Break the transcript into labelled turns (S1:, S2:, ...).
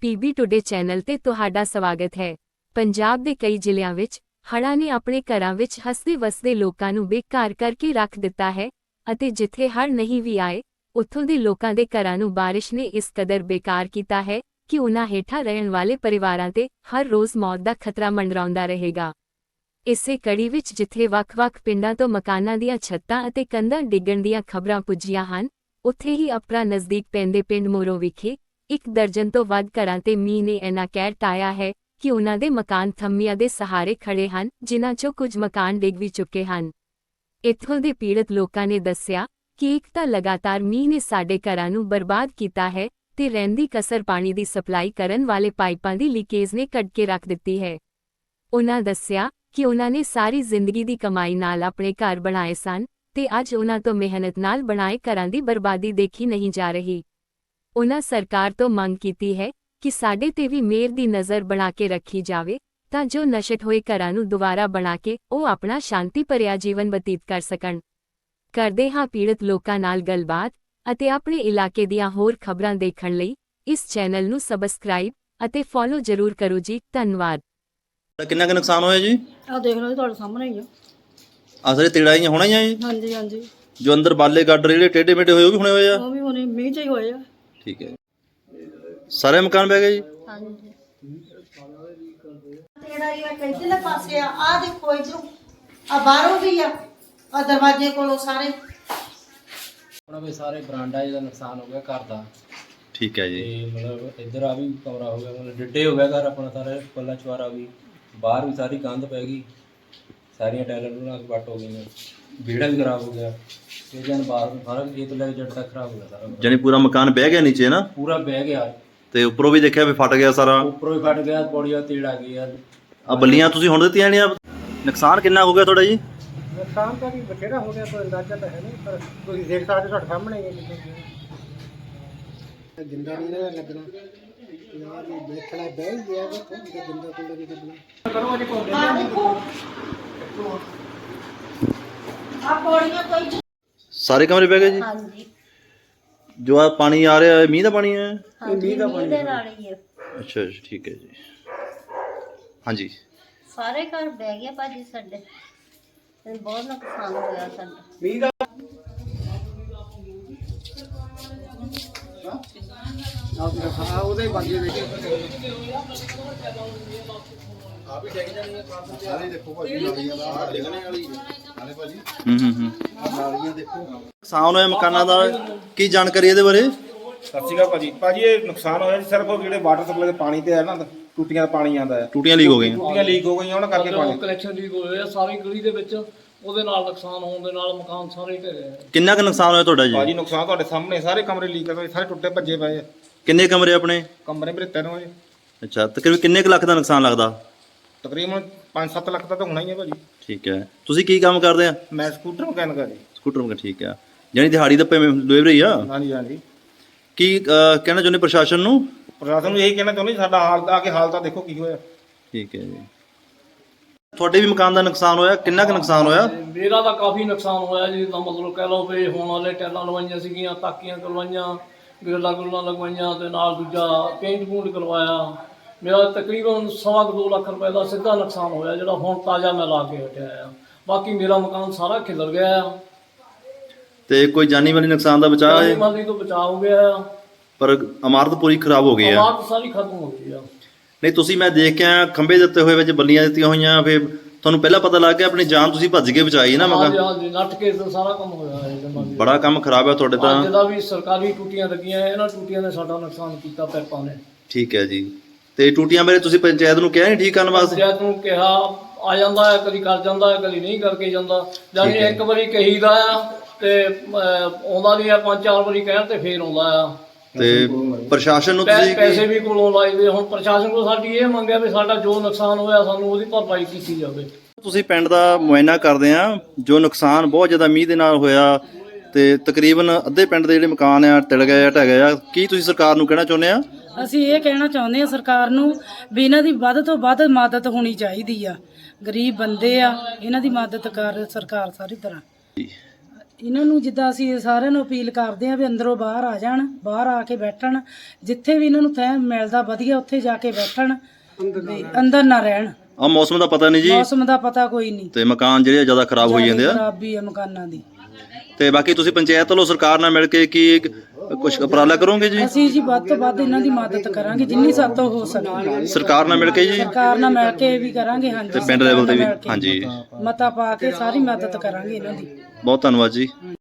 S1: PB today channel ਤੇ ਤੁਹਾਡਾ ਸਵਾਗਤ ਹੈ। ਪੰਜਾਬ ਦੇ ਕਈ ਜ਼ਿਲ੍ਹਿਆਂ ਵਿੱਚ ਹੜ੍ਹਾਂ ਨੇ ਆਪਣੇ ਘਰਾਂ ਵਿੱਚ ਹੱਸਦੇ ਵਸਦੇ ਲੋਕਾਂ ਨੂੰ ਬੇਘਰ ਕਰਕੇ ਰੱਖ ਦਿੱਤਾ ਹੈ ਅਤੇ ਜਿੱਥੇ ਹੜ੍ਹ ਨਹੀਂ ਵੀ ਆਏ, ਉੱਥੋਂ ਦੇ ਲੋਕਾਂ ਦੇ ਘਰਾਂ ਨੂੰ ਬਾਰਿਸ਼ ਨੇ ਇਸ ਕਦਰ ਬੇਕਾਰ ਕੀਤਾ ਹੈ ਕਿ ਉਨ੍ਹਾਂ ਹੇਠਾਂ ਰਹਿਣ ਵਾਲੇ ਪਰਿਵਾਰਾਂ ਤੇ ਹਰ ਰੋਜ਼ ਮੌਤ ਦਾ ਖਤਰਾ ਮੰਡਰਾਉਂਦਾ ਰਹੇਗਾ। ਇਸੇ ਕੜੀ ਵਿੱਚ ਜਿੱਥੇ ਵੱਖ-ਵੱਖ ਪਿੰਡਾਂ ਤੋਂ ਮਕਾਨਾਂ ਦੀਆਂ ਛੱਤਾਂ ਅਤੇ ਕੰਧਾਂ ਡਿੱਗਣ ਦੀਆਂ ਖਬਰਾਂ ਪੁੱਜੀਆਂ ਹਨ, ਉੱਥੇ ਹੀ ਅਪਰਾ ਨਜ਼ਦੀਕ ਪੈਂਦੇ ਪਿੰਡ ਮੋਰੋ ਵਿਖੇ 1 ਦਰਜਨ ਤੋਂ ਵੱਧ ਘਰਾਂ ਤੇ ਮੀਂਹ ਨੇ ਇੰਨਾ ਕਹਿਰ ਢਾਇਆ ਹੈ ਕਿ ਉਨ੍ਹਾਂ ਦੇ ਮਕਾਨ ਥੰਮੀਆਂ ਦੇ ਸਹਾਰੇ ਖੜੇ ਹਨ, ਜਿਨ੍ਹਾਂ 'ਚੋਂ ਕੁਝ ਮਕਾਨ ਡਿੱਗ ਵੀ ਚੁੱਕੇ ਹਨ। ਇੱਥੋਂ ਦੇ ਪੀੜਤ ਲੋਕਾਂ ਨੇ ਦੱਸਿਆ ਕਿ ਇੱਕ ਤਾਂ ਲਗਾਤਾਰ ਮੀਂਹ ਨੇ ਸਾਡੇ ਘਰਾਂ ਨੂੰ ਬਰਬਾਦ ਕੀਤਾ ਹੈ ਤੇ ਰਹਿੰਦੀ ਕਸਰ ਪਾਣੀ ਦੀ ਸਪਲਾਈ ਕਰਨ ਵਾਲੇ ਪਾਈਪਾਂ ਦੀ ਲੀਕੇਜ ਨੇ ਕੱਢ ਕੇ ਰੱਖ ਦਿੱਤੀ ਹੈ। ਉਨ੍ਹਾਂ ਦੱਸਿਆ ਕਿ ਉਨ੍ਹਾਂ ਨੇ ਸਾਰੀ ਜ਼ਿੰਦਗੀ ਦੀ ਕਮਾਈ ਨਾਲ ਆਪਣੇ ਘਰ ਬਣਾਏ ਸਨ ਤੇ ਅੱਜ ਉਨ੍ਹਾਂ ਤੋਂ ਮਿਹਨਤ ਨਾਲ ਬਣਾਏ ਘਰਾਂ ਦੀ ਬਰਬਾਦੀ ਦੇਖੀ ਨਹੀਂ ਜਾ ਰਹੀ। ਉਨ੍ਹਾਂ ਸਰਕਾਰ ਤੋਂ ਮੰਗ ਕੀਤੀ ਹੈ ਕਿ ਸਾਡੇ ਤੇ ਵੀ ਮਿਹਰ ਦੀ ਨਜ਼ਰ ਬਣਾ ਕੇ ਰੱਖੀ ਜਾਵੇ ਤਾਂ ਜੋ ਨਸ਼ਟ ਹੋਏ ਘਰਾਂ ਨੂੰ ਦੁਬਾਰਾ ਬਣਾ ਕੇ ਉਹ ਆਪਣਾ ਸ਼ਾਂਤੀ ਭਰਿਆ ਜੀਵਨ ਬਤੀਤ ਕਰ ਸਕਣ। ਕਰਦੇ ਹਾਂ ਪੀੜਤ ਲੋਕਾਂ ਨਾਲ ਗੱਲਬਾਤ ਅਤੇ ਆਪਣੇ ਇਲਾਕੇ ਦੀਆਂ ਹੋਰ ਖਬਰਾਂ ਦੇਖਣ ਲਈ ਇਸ ਚੈਨਲ ਨੂੰ ਸਬਸਕ੍ਰਾਈਬ ਅਤੇ ਫੋਲੋ ਜ਼ਰੂਰ ਕਰੋ ਜੀ। ਧੰਨਵਾਦ।
S2: ਕਿੰਨਾ ਕੁ ਨੁਕਸਾਨ ਹੋਇਆ ਜੀ?
S3: ਆ ਦੇਖ ਲਓ ਜੀ, ਤੁਹਾਡੇ ਸਾਹਮਣੇ ਹੀ ਆ।
S2: ਆ ਸਾਰੇ ਤੇੜਾਈਆਂ ਹੋਣਾ ਹੀ ਆ ਜੀ?
S3: ਹਾਂਜੀ ਹਾਂਜੀ,
S2: ਜੋ ਅੰਦਰ ਬਾਲੇ ਗਾਡਰ ਜਿਹੜੇ ਟੇਢੇ ਮੇਢੇ ਹੋਏ ਉਹ ਵੀ ਹੋਣੇ ਹੋਏ ਆ?
S3: ਉਹ ਵੀ ਹੁਣੇ ਮੀਂਹ ਚ ਹੀ ਹੋਏ ਆ।
S2: ਠੀਕ ਹੈ। ਸਾਰੇ ਮਕਾਨ ਬਹਿ ਗਏ ਜੀ?
S3: ਹਾਂਜੀ।
S4: ਤੇੜਾ ਇਹ ਕਿੱਧਰਲੇ ਪਾਸੇ ਆ ਦੇਖੋ ਇਧਰੋਂ ਆ ਬਾਹਰੋਂ ਵੀ ਆ ਦਰਵਾਜ਼ੇ ਕੋਲੋਂ ਸਾਰੇ
S5: ਆਪਣਾ ਵੀ ਸਾਰੇ ਬਰਾਂਡਾ ਜਿਹਦਾ ਨੁਕਸਾਨ ਹੋ ਗਿਆ ਘਰ ਦਾ।
S2: ਠੀਕ ਹੈ ਜੀ।
S5: ਤੇ ਮਤਲਬ ਇੱਧਰ ਆ ਵੀ ਕਮਰਾ ਹੋ ਗਿਆ, ਮਤਲਬ ਡਿੱਡੇ ਹੋ ਗਿਆ ਘਰ ਆਪਣਾ ਸਾਰਾ, ਪੱਲਾ ਚਵਾਰਾ ਵੀ, ਬਾਹਰ ਵੀ ਸਾਰੀ ਕੰਧ ਪੈ ਗਈ, ਸਾਰੀਆਂ ਟਾਇਲਾਂ ਟੂਲਾਂ ਵੱਟ ਹੋ ਗਈਆਂ, ਵਿਹੜਾ ਵੀ ਖਰਾਬ ਹੋ ਗਿਆ, ਤੇ ਜਨ ਬਾਹਰ ਸਾਰਾ ਖੇਤ ਲੈ ਕੇ ਜੱਟ ਤੱਕ ਖਰਾਬ ਹੋ ਗਿਆ ਸਾਰਾ।
S2: ਜਾਨੀ ਪੂਰਾ ਮਕਾਨ ਬਹਿ ਗਿਆ ਨੀਚੇ ਨਾ?
S5: ਪੂਰਾ ਬਹਿ ਗਿਆ
S2: ਤੇ ਉੱਪਰੋਂ ਵੀ ਦੇਖਿਆ ਵੀ ਫਟ ਗਿਆ ਸਾਰਾ?
S5: ਉੱਪਰੋਂ ਹੀ ਫਟ ਗਿਆ, ਪੌੜੀਆਂ ਤੇੜ ਆ ਗਈ ਯਾਰ।
S2: ਆ ਬੱਲੀਆਂ ਤੁਸੀਂ ਹੁਣ ਦਿੱਤੀਆਂ ਨੇ? ਨੁਕਸਾਨ ਕਿੰਨਾ ਹੋ ਗਿਆ ਤੁਹਾਡਾ ਜੀ?
S3: ਨੁਕਸਾਨ ਤਾਂ ਵੀ ਬਥੇਰਾ ਹੋ ਗਿਆ, ਕੋਈ ਅੰਦਾਜ਼ਾ ਤਾਂ ਹੈ ਨਹੀਂ, ਪਰ ਤੁਸੀਂ ਦੇਖ ਸਕਦੇ ਤੁਹਾਡੇ ਸਾਹਮਣੇ ਹੀ ਹੈ। ਜਿੰਦਾ ਨਹੀਂ ਨਾ ਲੱਗਣਾ ਯਾਰ, ਇਹ ਦੇਖਣਾ ਬਹਿ ਗਿਆ ਵਾ ਤੇ ਜਿੰਦਾ ਕੋਲ ਨਹੀਂ ਲੱਗਣਾ। ਕਰੋ ਅਜੇ ਕੋਲ
S4: ਆ ਦੇਖੋ ਆ ਪੌੜੀਆਂ ਕੋਈ।
S2: ਸਾਰੇ ਕਮਰੇ ਬਹਿ ਗਏ ਜੀ?
S4: ਹਾਂਜੀ
S2: ਜੋ ਆ ਪਾਣੀ ਆ ਰਿਹਾ ਹੈ, ਮੀਂਹ ਦਾ ਪਾਣੀ ਹੈ?
S4: ਮੀਂਹ ਦਾ ਪਾਣੀ ਦੇ ਨਾਲ ਹੀ ਆ।
S2: ਅੱਛਾ ਅੱਛਾ, ਠੀਕ ਹੈ ਜੀ। ਹਾਂਜੀ,
S4: ਸਾਰੇ ਘਰ ਬਹਿ ਗਏ ਭਾਜੀ ਸਾਡੇ, ਤੇ ਬਹੁਤ ਨੁਕਸਾਨ ਹੋਇਆ ਸਾਡਾ।
S3: ਮੀਂਹ ਦਾ ਆ ਉਹਦੇ ਬਾਗੇ ਦੇਖੇ ਆ ਵੀ ਡਿੱਗ ਜਾਣੀ ਹੈ ਸਾਰੇ। ਦੇਖੋ ਭਾਜੀ ਨਾਲੀਆਂ ਦਾ ਡਿੱਗਣੇ ਵਾਲੀ ਨਾਲੇ ਭਾਜੀ ਨਾਲੀਆਂ ਦੇਖੋ।
S2: ਨੁਕਸਾਨ ਹੋਇਆ ਮਕਾਨਾਂ ਦਾ, ਕੀ ਜਾਣਕਾਰੀ ਇਹਦੇ ਬਾਰੇ?
S6: ਸਤਿ ਸ਼੍ਰੀ ਅਕਾਲ ਭਾਜੀ। ਭਾਜੀ ਇਹ ਨੁਕਸਾਨ ਹੋਇਆ ਜੀ ਸਿਰਫ ਜਿਹੜੇ ਵਾਟਰ ਸਪਲਾਈ ਦੇ ਪਾਣੀ ਤੇ ਹੈ ਨਾ, ਟੂਟੀਆਂ ਦਾ ਪਾਣੀ ਆਉਂਦਾ ਹੈ,
S2: ਟੂਟੀਆਂ ਲੀਕ ਹੋ ਗਈਆਂ?
S6: ਟੂਟੀਆਂ ਲੀਕ ਹੋ ਗਈਆਂ, ਉਹਨਾਂ ਕਰਕੇ ਪਾਣੀ।
S7: ਕਨੈਕਸ਼ਨ ਲੀਕ ਹੋਏ ਆ ਸਾਰੀ ਗਲੀ ਦੇ ਵਿੱਚ, ਉਹਦੇ ਨਾਲ ਨੁਕਸਾਨ ਹੋਣ ਦੇ ਨਾਲ ਮਕਾਨ ਸਾਰੇ ਢਹਿ ਗਏ।
S2: ਕਿੰਨਾ ਕੁ ਨੁਕਸਾਨ ਹੋਇਆ ਤੁਹਾਡਾ ਜੀ?
S6: ਭਾਜੀ ਨੁਕਸਾਨ ਤੁਹਾਡੇ ਸਾਹਮਣੇ, ਸਾਰੇ ਕਮਰੇ ਲੀਕ ਹੋਏ, ਸਾਰੇ ਟੁੱਟੇ ਭੱਜੇ ਪਏ ਆ।
S2: ਕਿੰਨੇ ਕਮਰੇ ਆਪਣੇ?
S6: ਕਮਰੇ ਮੇਰੇ 3 ਵਜੇ।
S2: ਅੱਛਾ, ਤਕਰੀਬਨ ਕਿੰਨੇ ਕੁ ਲੱਖ ਦਾ ਨੁਕਸਾਨ ਲੱਗਦਾ?
S6: ਤਕਰੀਬਨ 5-7 ਲੱਖ ਦਾ ਤਾਂ ਹੋਣਾ ਹੀ ਹੈ ਭਾਜੀ।
S2: ਠੀਕ ਹੈ। ਤੁਸੀਂ ਕੀ ਕੰਮ ਕਰਦੇ ਆ?
S6: ਮੈਂ ਸਕੂਟਰ ਮਕੈਨਿਕ ਆ ਜੀ।
S2: ਸਕੂਟਰ ਮਕੈਨਿਕ, ਠੀਕ ਆ। ਜਾਨੀ ਦਿਹਾੜੀ ਦੱਪੇ ਡਿਲੀਵਰੀ ਆ?
S6: ਹਾਂਜੀ ਹਾਂਜੀ।
S2: ਕੀ ਕਹਿਣਾ ਚਾਹੁੰਦੇ ਪ੍ਰਸ਼ਾਸਨ ਨੂੰ?
S6: ਪ੍ਰਸ਼ਾਸਨ ਨੂੰ ਇਹੀ ਕਹਿਣਾ ਚਾਹੁੰਦੇ ਸਾਡਾ ਹਾਲ ਆ ਕੇ ਹਾਲ ਤਾਂ ਦੇਖੋ ਕੀ ਹੋਇਆ।
S2: ਠੀਕ ਹੈ ਜੀ। ਤੁਹਾਡੇ ਵੀ ਮਕਾਨ ਦਾ ਨੁਕਸਾਨ ਹੋਇਆ? ਕਿੰਨਾ ਕੁ ਨੁਕਸਾਨ ਹੋਇਆ?
S7: ਮੇਰਾ ਤਾਂ ਕਾਫੀ ਨੁਕਸਾਨ ਹੋਇਆ ਜੀ, ਤਾਂ ਮਤਲਬ ਕਹਿ ਲਓ ਵੀ ਹੁਣ ਵਾਲੇ ਟੈਲਾਂ ਲਵਾਈਆਂ ਸੀਗੀਆਂ, ਤਾਕੀਆਂ ਕਰਵਾਈਆਂ, ਗ੍ਰਿਲਾਂ ਗੁੱਲਾਂ ਲਗਵਾਈਆਂ ਤੇ ਨਾਲ ਦੂਜਾ ਪੇਂਟ ਪੂੰਟ ਕਰਵਾਇਆ। ਮੇਰਾ ਤਕਰੀਬਨ 2.25 ਲੱਖ ਰੁਪਏ ਦਾ ਸਿੱਧਾ ਨੁਕਸਾਨ ਹੋਇਆ, ਜਿਹੜਾ ਹੁਣ ਤਾਜ਼ਾ ਮੈਂ ਲਾ ਕੇ ਹਟਿਆ ਆ। ਬਾਕੀ ਮੇਰਾ ਮਕਾਨ ਸਾਰਾ ਖਿਲਰ ਗਿਆ ਆ।
S2: ਤੇ ਕੋਈ ਜਾਨੀ ਮਾਲੀ ਨੁਕਸਾਨ ਦਾ ਬਚਾਅ
S7: ਜਾਨੀ
S2: ਹੈ?
S7: ਮਾਲੀ ਤੋਂ ਬਚਾਅ ਹੋ ਗਿਆ ਆ,
S2: ਪਰ ਇਮਾਰਤ ਪੂਰੀ ਖਰਾਬ ਹੋ ਗਈ ਆ?
S7: ਇਮਾਰਤ ਸਾਰੀ ਖਤਮ ਹੋ ਗਈ ਆ।
S2: ਨਹੀਂ, ਤੁਸੀਂ ਮੈਂ ਦੇਖ ਕੇ ਆਇਆ ਖੰਭੇ ਦਿੱਤੇ ਹੋਏ ਵਿੱਚ ਬੱਲੀਆਂ ਦਿੱਤੀਆਂ ਹੋਈਆਂ, ਫਿਰ ਤੁਹਾਨੂੰ ਪਹਿਲਾਂ ਪਤਾ ਲੱਗ ਗਿਆ, ਆਪਣੀ ਜਾਨ ਤੁਸੀਂ ਭੱਜ ਕੇ ਬਚਾਈ ਨਾ
S7: ਹਾਂਜੀ
S2: ਮਕਾਨ?
S7: ਹਾਂਜੀ, ਨੱਟ ਕੇ ਤਾਂ ਸਾਰਾ ਕੰਮ ਹੋਇਆ ਹੈ ਜਮਾਂ।
S2: ਬੜਾ ਕੰਮ ਖਰਾਬ ਹੈ ਤੁਹਾਡੇ ਤਾਂ।
S7: ਜਿਹਦਾ ਵੀ ਸਰਕਾਰੀ ਟੂਟੀਆਂ ਲੱਗੀਆਂ, ਇਹਨਾਂ ਟੂਟੀਆਂ ਨੇ ਸਾਡਾ ਨੁਕਸਾਨ ਕੀਤਾ ਪੈਪਾਂ ਨੇ।
S2: ਠੀਕ ਹੈ ਜੀ। ਤੇ ਟੂਟੀਆਂ ਬਾਰੇ ਤੁਸੀਂ ਪੰਚਾਇਤ ਨੂੰ ਕਿਹਾ ਨਹੀਂ ਠੀਕ ਕਰਨ ਵਾਸਤੇ?
S7: ਪੰਚਾਇਤ ਨੂੰ ਕਿਹਾ, ਆ ਜਾਂਦਾ ਹੈ, ਕਦੀ ਕਰ ਜਾਂਦਾ ਹੈ, ਕਦੀ ਨਹੀਂ ਕਰਕੇ ਜਾਂਦਾ। ਜਾਨੀ ਇੱਕ ਵਾਰੀ ਕਹੀਦਾ ਆ ਤੇ ਆਉਂਦਾ ਨਹੀਂ ਆ, 5-4 ਵਾਰੀ ਕਹਿਣ ਤੇ ਫੇਰ ਆਉਂਦਾ ਆ।
S2: ਤੇ ਪ੍ਰਸ਼ਾਸਨ ਨੂੰ ਤੁਸੀਂ
S7: ਪੈਸੇ ਵੀ ਕੋਲੋਂ ਲਾਈਦੇ। ਹੁਣ ਪ੍ਰਸ਼ਾਸਨ ਕੋਲ ਸਾਡੀ ਇਹ ਮੰਗ ਹੈ ਵੀ ਸਾਡਾ ਜੋ ਨੁਕਸਾਨ ਹੋਇਆ ਸਾਨੂੰ ਉਹਦੀ ਭਰਪਾਈ ਕੀਤੀ ਜਾਵੇ।
S2: ਤੁਸੀਂ ਪਿੰਡ ਦਾ ਮੁਆਇਨਾ ਕਰਦੇ ਆ, ਜੋ ਨੁਕਸਾਨ ਬਹੁਤ ਜ਼ਿਆਦਾ ਮੀਂਹ ਦੇ ਨਾਲ ਹੋਇਆ ਤੇ ਤਕਰੀਬਨ ਅੱਧੇ ਪਿੰਡ ਦੇ ਜਿਹੜੇ ਮਕਾਨ ਆ ਟਿਲ ਗਏ ਆ, ਢਹਿ ਗਏ ਆ, ਕੀ ਤੁਸੀਂ ਸਰਕਾਰ ਨੂੰ ਕਹਿਣਾ ਚਾਹੁੰਦੇ ਆ?
S8: ਅਸੀਂ ਇਹ ਕਹਿਣਾ ਚਾਹੁੰਦੇ ਆ ਸਰਕਾਰ ਨੂੰ ਵੀ ਇਹਨਾਂ ਦੀ ਵੱਧ ਤੋਂ ਵੱਧ ਮਦਦ ਹੋਣੀ ਚਾਹੀਦੀ ਆ। ਗਰੀਬ ਬੰਦੇ ਆ, ਇਹਨਾਂ ਦੀ ਮਦਦ ਕਰ ਸਰਕਾਰ ਸਾਰੀ ਤਰ੍ਹਾਂ। ਇਹਨਾਂ ਨੂੰ ਜਿੱਦਾਂ ਅਸੀਂ ਸਾਰਿਆਂ ਨੂੰ ਅਪੀਲ ਕਰਦੇ ਆ ਵੀ ਅੰਦਰੋਂ ਬਾਹਰ ਆ ਜਾਣ, ਬਾਹਰ ਆ ਕੇ ਬੈਠਣ, ਜਿੱਥੇ ਵੀ ਇਹਨਾਂ ਨੂੰ ਥੈਂ ਮਿਲਦਾ ਵਧੀਆ ਉੱਥੇ ਜਾ ਕੇ ਬੈਠਣ, ਵੀ ਅੰਦਰ ਨਾ ਰਹਿਣ।
S2: ਆ ਮੌਸਮ ਦਾ ਪਤਾ ਨਹੀਂ ਜੀ,
S8: ਮੌਸਮ ਦਾ ਪਤਾ ਕੋਈ ਨਹੀਂ,
S2: ਤੇ ਮਕਾਨ ਜਿਹੜੇ ਜ਼ਿਆਦਾ ਖਰਾਬ ਹੋਈ ਜਾਂਦੇ ਆ।
S8: ਖਰਾਬੀ ਆ ਮਕਾਨਾਂ ਦੀ।
S2: ਤੇ ਬਾਕੀ ਤੁਸੀਂ ਪੰਚਾਇਤ ਵੱਲੋਂ ਸਰਕਾਰ ਨਾਲ ਮਿਲ ਕੇ ਕੀ ਕੁਝ ਉਪਰਾਲਾ ਕਰੋਗੇ ਜੀ?
S8: ਅਸੀਂ ਜੀ ਵੱਧ ਤੋਂ ਵੱਧ ਇਹਨਾਂ ਦੀ ਮਦਦ ਕਰਾਂਗੇ ਜਿੰਨੀ ਸਾਡੇ ਤੋਂ ਹੋ ਸਕੇ।
S2: ਸਰਕਾਰ ਨਾਲ ਮਿਲ ਕੇ ਜੀ,
S8: ਸਰਕਾਰ ਨਾਲ ਮਿਲ ਕੇ ਵੀ ਕਰਾਂਗੇ। ਹਾਂਜੀ,
S2: ਤੇ ਪਿੰਡ ਲੈਵਲ ਤੇ ਵੀ।
S8: ਮਿਲ ਕੇ
S2: ਹਾਂਜੀ,
S8: ਮਤਾ ਪਾ ਕੇ ਸਾਰੀ ਮਦਦ ਕਰਾਂਗੇ ਇਹਨਾਂ ਦੀ।
S2: ਬਹੁਤ ਧੰਨਵਾਦ ਜੀ।